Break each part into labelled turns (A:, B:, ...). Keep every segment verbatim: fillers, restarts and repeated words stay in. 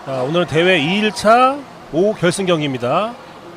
A: 자, 오늘 대회 이 일차 오후 결승 경기입니다.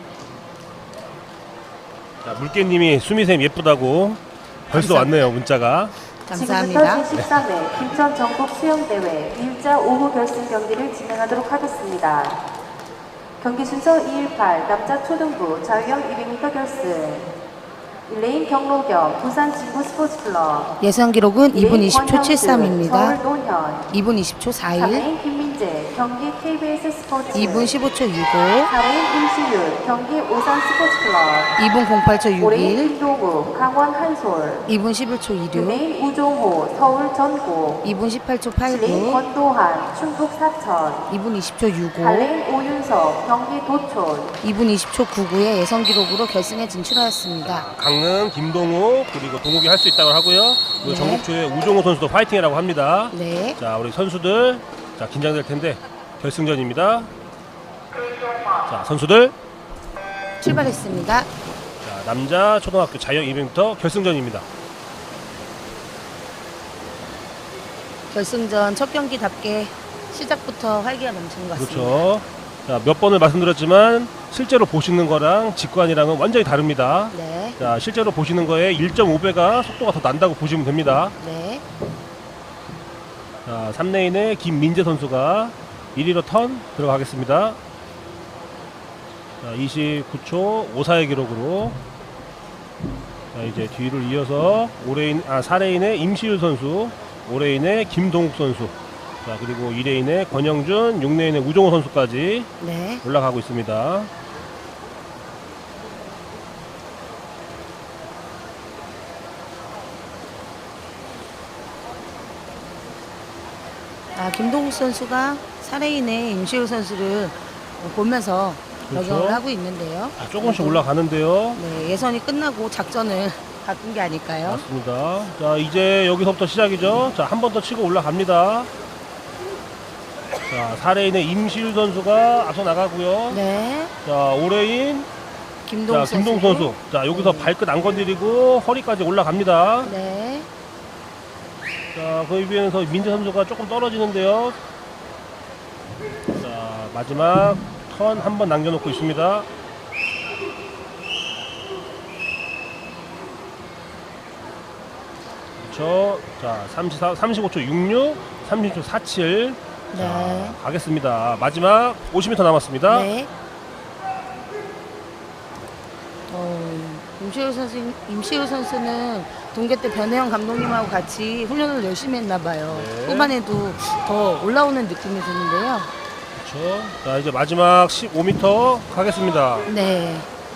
A: 자, 물개님이 수미쌤 예쁘다고 벌써
B: 감사합니다.
A: 왔네요, 문자가.
B: 감사합니다.
C: 지금부터 제십삼 회 김천 전국 수영대회 이 일차 오후 결승 경기를 진행하도록 하겠습니다. 경기 순서 이 일팔 남자 초등부 자유형 이백 미터 결승 일 레인 경로경 부산 진구 스포츠클럽
B: 예선 기록은 이 분 이십 초 칠십삼입니다.
C: 서울 논현
B: 이 분 이십 초
C: 삼
B: 사십일,
C: 레인 김민재 경기 케이비에스 스포츠
B: 이 분 십오 초 육십오,
C: 사 레인 임시윤 경기 오산 스포츠클럽
B: 이 분 공팔 초
C: 오 레인
B: 육십일,
C: 김동욱 강원 한솔
B: 이 분 십일 초
C: 육
B: 이십육,
C: 레인 우종호 서울 전국
B: 이 분 십팔 초
C: 칠 레인
B: 팔십구,
C: 권도한 충북 사천
B: 이 분 이십 초 육십오,
C: 팔 레인 오윤석 경기 도촌
B: 이 분 이십 초 구십구의 예선 기록으로 결승에 진출하였습니다.
A: 강릉, 김동욱, 그리고 동욱이 할 수 있다고 하고요. 그리고
B: 네.
A: 전국초의 우종호 선수도 파이팅이라고 합니다.
B: 네.
A: 자, 우리 선수들, 자, 긴장될 텐데 결승전입니다. 자, 선수들,
B: 출발했습니다.
A: 자, 남자 초등학교 자유형 이백 미터 결승전입니다.
B: 결승전 첫 경기답게 시작부터 활기가 넘치는 것 같습니다.
A: 그렇죠. 자, 몇 번을 말씀드렸지만 실제로 보시는 거랑 직관이랑은 완전히 다릅니다.
B: 네.
A: 자, 실제로 보시는 거에 일 점 오 배가 속도가 더 난다고 보시면 됩니다.
B: 네.
A: 자, 삼 레인의 김민재 선수가 일 위로 턴 들어가겠습니다. 자, 이십구 초 오십사의 기록으로. 자, 이제 뒤를 이어서 오 레인, 아, 사 레인의 임시율 선수, 오 레인의 김동욱 선수, 자, 그리고 이 레인의 권영준, 육 레인의 우종호 선수까지
B: 네.
A: 올라가고 있습니다.
B: 아, 김동욱 선수가 사레인의 임시우 선수를 보면서
A: 그렇죠.
B: 적용을 하고 있는데요.
A: 자, 조금씩 올라가는데요.
B: 네, 예선이 끝나고 작전을 바꾼 게 아닐까요?
A: 맞습니다. 자, 이제 여기서부터 시작이죠. 자, 한 번 더 치고 올라갑니다. 자, 사 레인의 임시율 선수가 앞서 나가고요.
B: 네,
A: 자, 오 레인,
B: 김동욱
A: 자, 김동
B: 선수.
A: 선수. 자, 여기서 발끝 안 건드리고 허리까지 올라갑니다.
B: 네,
A: 자, 그 위에서 민재 선수가 조금 떨어지는데요. 자, 마지막 턴 한 번 남겨놓고 있습니다. 그렇죠. 자, 삼십사, 삼십오 초 육십육, 삼십 초 사십칠. 자,
B: 네.
A: 가겠습니다. 마지막 오십 미터 남았습니다.
B: 네. 어, 임시우 선수, 임시우 선수는 동계 때 변혜영 감독님하고 같이 훈련을 열심히 했나 봐요.
A: 네.
B: 후반에도 더 올라오는 느낌이 드는데요.
A: 그렇죠. 자, 이제 마지막 십오 미터 가겠습니다.
B: 네.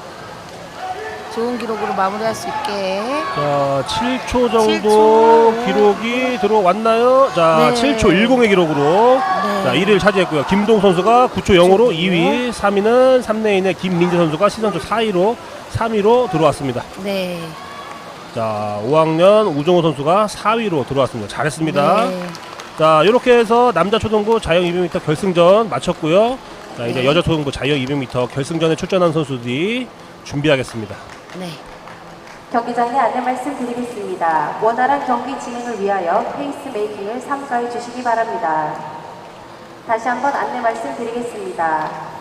B: 좋은 기록으로 마무리할 수 있게.
A: 자, 칠 초 정도
B: 칠 초.
A: 기록이 들어왔나요? 자,
B: 네.
A: 칠 초 십의 기록으로
B: 네.
A: 자, 일 위를 차지했고요. 김동 선수가 구 초 영으로
B: 구 초
A: 이 위, 삼 위는 삼 레인의 김민재 선수가 시선조 사 위로 삼 위로 들어왔습니다.
B: 네.
A: 자, 오 학년 우종호 선수가 사 위로 들어왔습니다. 잘했습니다.
B: 네.
A: 자, 이렇게 해서 남자 초등부 자유형 이백 미터 결승전 마쳤고요. 자, 이제
B: 네.
A: 여자 초등부 자유형 이백 미터 결승전에 출전한 선수들이 준비하겠습니다.
B: 네.
C: 경기장에 안내 말씀드리겠습니다. 원활한 경기 진행을 위하여 페이스메이킹을 삼가해 주시기 바랍니다. 다시 한번 안내 말씀드리겠습니다.